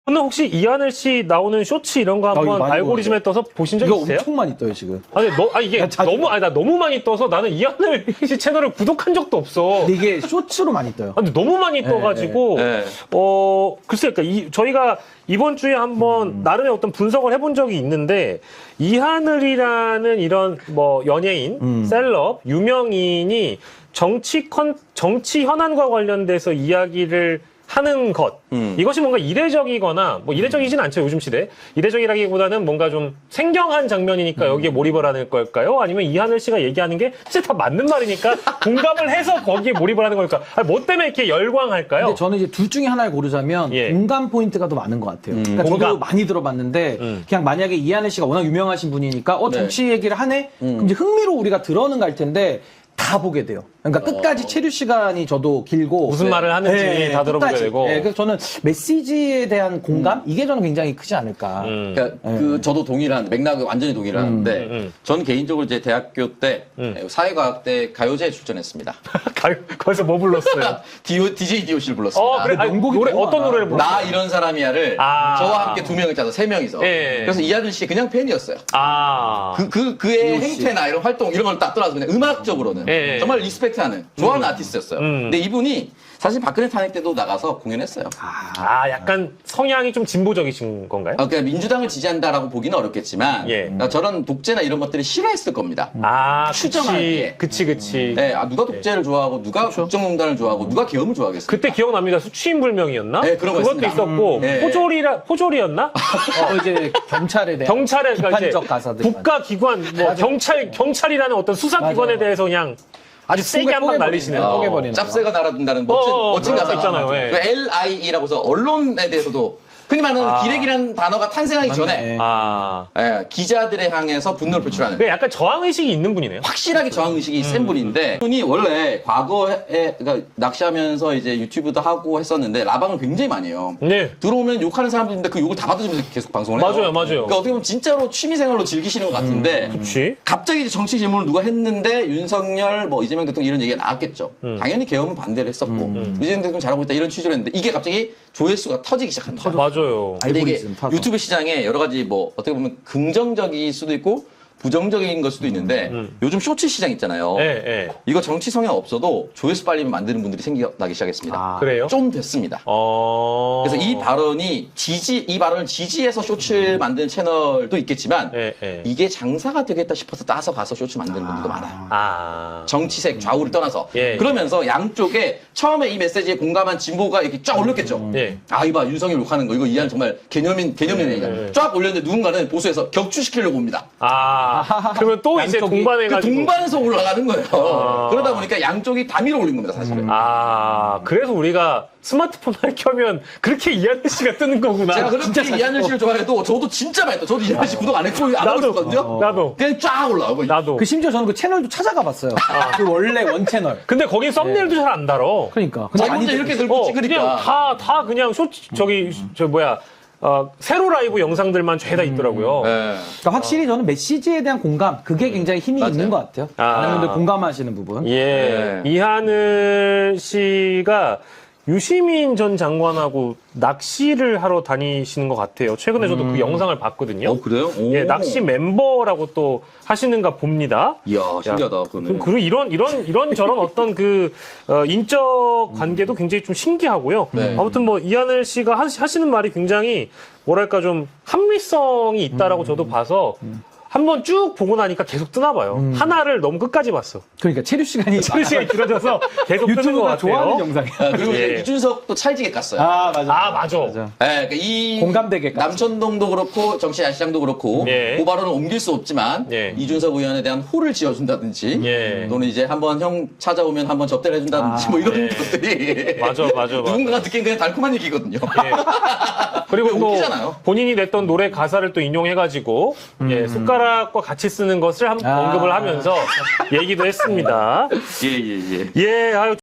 오늘 혹시 이하늘 씨 나오는 쇼츠 이런 거 한번 많이 알고리즘에 떠서 보신 적 이거 있으세요? 엄청 많이 떠요 지금. 이게 나 자주 나 너무 많이 떠서 나는 이하늘 씨 채널을 구독한 적도 없어. 근데 이게 쇼츠로 많이 떠요. 근데 너무 많이 떠가지고, 네. 글쎄요, 그러니까 저희가 이번 주에 한번 나름의 어떤 분석을 해본 적이 있는데, 이하늘이라는 이런 뭐 연예인, 셀럽, 유명인이 정치 현안과 관련돼서 이야기를 하는 것. 이것이 뭔가 이례적이거나, 뭐 이례적이진 않죠, 요즘 시대. 이례적이라기보다는 뭔가 좀 생경한 장면이니까 여기에 몰입을 하는 걸까요? 아니면 이하늘 씨가 얘기하는 게 진짜 다 맞는 말이니까 공감을 해서 거기에 몰입을 하는 걸까? 아니, 뭐 때문에 이렇게 열광할까요? 근데 저는 이제 둘 중에 하나를 고르자면 예. 공감 포인트가 더 많은 것 같아요. 그러니까 저도 공감. 많이 들어봤는데 그냥 만약에 이하늘 씨가 워낙 유명하신 분이니까 정치 얘기를 하네? 그럼 이제 흥미로 우리가 들어는 갈 텐데 다 보게 돼요. 그러니까 끝까지 체류 시간이 저도 길고 무슨 말을 하는지 다 들어보게 끝까지. 되고. 그래서 저는 메시지에 대한 공감 이게 저는 굉장히 크지 않을까. 그러니까 저도 동일한 맥락을 완전히 동일한데 저는 개인적으로 이제 대학교 때 사회과학대 가요제에 출전했습니다. 거기서 뭐 불렀어요? DJ DOC를 불렀습니다. 그래? 아니, 명곡이 노래, 너무 어떤 많아. 노래를 불렀어요? 나 이런 사람이야를 저와 함께 두 명을 짜서 세 명이서. 예. 그래서 이하늘 씨 그냥 팬이었어요. DOC. 그의 행태나 이런 활동 이런 걸 딱 떠나서 그냥 음악적으로는 예. 정말 리스펙트하는 좋아하는 아티스트였어요. 근데 이분이 사실 박근혜 탄핵 때도 나가서 공연했어요. 약간 성향이 좀 진보적이신 건가요? 그러니까 민주당을 지지한다라고 보기는 어렵겠지만 예. 그러니까 저런 독재나 이런 것들을 싫어했을 겁니다. 추정하기에. 그치. 네, 누가 독재를 좋아하고 누가 국정농단을 좋아하고 누가 계엄을 좋아하겠어요? 그때 기억납니다. 수취인불명이었나? 네, 그런 거 그것도 있습니다. 있었고, 네. 포졸이었나? 이제 경찰에 대한 경찰에, 그러니까 이제 비판적 가사들. 국가기관, 뭐, 경찰이라는 어떤 수사기관에 맞아요. 대해서 그냥 아주 세게 한 방 날리시는. 뽀개버리는 거. 짭새가 날아든다는 멋진 그런 거 가사 있잖아요. 예. LIE라고 해서 언론에 대해서도 흔히 말하는 기레기라는 단어가 탄생하기 전에 기자들에 향해서 분노를 표출하는 그 약간 저항의식이 있는 분이네요. 확실하게 저항의식이 센 분인데 이분이 원래 과거에 그러니까 낚시하면서 이제 유튜브도 하고 했었는데 라방을 굉장히 많이 해요. 네. 들어오면 욕하는 사람들인데 그 욕을 다 받아주면서 계속 방송을 해요. 맞아요. 그러니까 어떻게 보면 진짜로 취미생활로 즐기시는 것 같은데 그치. 갑자기 이제 정치 질문을 누가 했는데 윤석열, 뭐 이재명 대통령 이런 얘기가 나왔겠죠. 당연히 계엄은 반대를 했었고 이재명 대통령 잘하고 있다 이런 취지로 했는데 이게 갑자기 조회수가 터지기 시작합니다. 맞아요. 근데 이게 알고리즘 타서. 유튜브 시장에 여러 가지 뭐 어떻게 보면 긍정적일 수도 있고 부정적인 걸 수도 있는데 요즘 쇼츠 시장 있잖아요. 예. 이거 정치 성향 없어도 조회수 빨리 만드는 분들이 생겨나기 시작했습니다. 그래요? 좀 됐습니다. 그래서 이 발언을 지지해서 쇼츠를 만드는 채널도 있겠지만 예. 이게 장사가 되겠다 싶어서 따서 가서 쇼츠 만드는 분들도 많아요. 정치색 좌우를 떠나서 예. 그러면서 양쪽에 처음에 이 메시지에 공감한 진보가 이렇게 쫙 올렸겠죠. 예. 이봐 윤석열 욕하는 거 이거 이한 정말 개념인 얘기야. 쫙 올렸는데 누군가는 보수해서 격추시키려고 옵니다. 그러면 또 이제 양쪽이 동반해가지고. 그 동반해서 올라가는 거예요. 그러다 보니까 양쪽이 다 밀어 올린 겁니다, 사실은. 그래서 우리가 스마트폰을 켜면 그렇게 이하늘 씨가 뜨는 거구나. 제가 그렇게 이하늘 씨를 좋아해도 저도 진짜 많이 했다. 저도 이하늘 씨 구독 안 했고 안 하고 있었거든요. 나도. 그냥 쫙 올라오고. 나도. 그 심지어 저는 그 채널도 찾아가 봤어요. 그 원래 원 채널. 근데 거긴 썸네일도 잘 안 달어. 그러니까. 자기 혼자 이렇게 들고 그냥 찍으니까. 다 그냥 세로 라이브 영상들만 죄다 있더라고요. 네. 그러니까 확실히 저는 메시지에 대한 공감 그게 굉장히 힘이 맞아요. 있는 것 같아요. 많은 분들 공감하시는 부분. 예. 네. 이하늘 씨가 유시민 전 장관하고 낚시를 하러 다니시는 것 같아요. 최근에 저도 그 영상을 봤거든요. 그래요? 오. 예, 낚시 멤버라고 또 하시는가 봅니다. 이야, 신기하다, 그거는. 그리고 이런 저런 어떤 인적 관계도 굉장히 좀 신기하고요. 네. 아무튼 뭐 이하늘 씨가 하시는 말이 굉장히 뭐랄까 좀 합리성이 있다라고 저도 봐서 한번 쭉 보고 나니까 계속 뜨나 봐요. 하나를 너무 끝까지 봤어. 그러니까 체류 시간이 시간이 길어져서 계속 뜨는 것 유튜브가 같아요. 좋아하는 영상이야. 그리고 이제 예. 유준석도 찰지게 깠어요. 맞아. 맞아. 그러니까 이 공감되게 깠죠. 남천동도 그렇고 정치 야시장도 그렇고 예. 그 발언을 옮길 수 없지만 예. 이준석 의원에 대한 호를 지어준다든지 예. 또는 이제 한번 형 찾아오면 한번 접대를 해준다든지 뭐 이런 예. 것들이 맞아. 누군가가 듣기엔 그냥 달콤한 얘기거든요. 그리고 또 웃기잖아요. 본인이 냈던 노래 가사를 또 인용해가지고 예, 숟가락과 같이 쓰는 것을 언급을 하면서 얘기도 했습니다. 예예예. 예, 아유.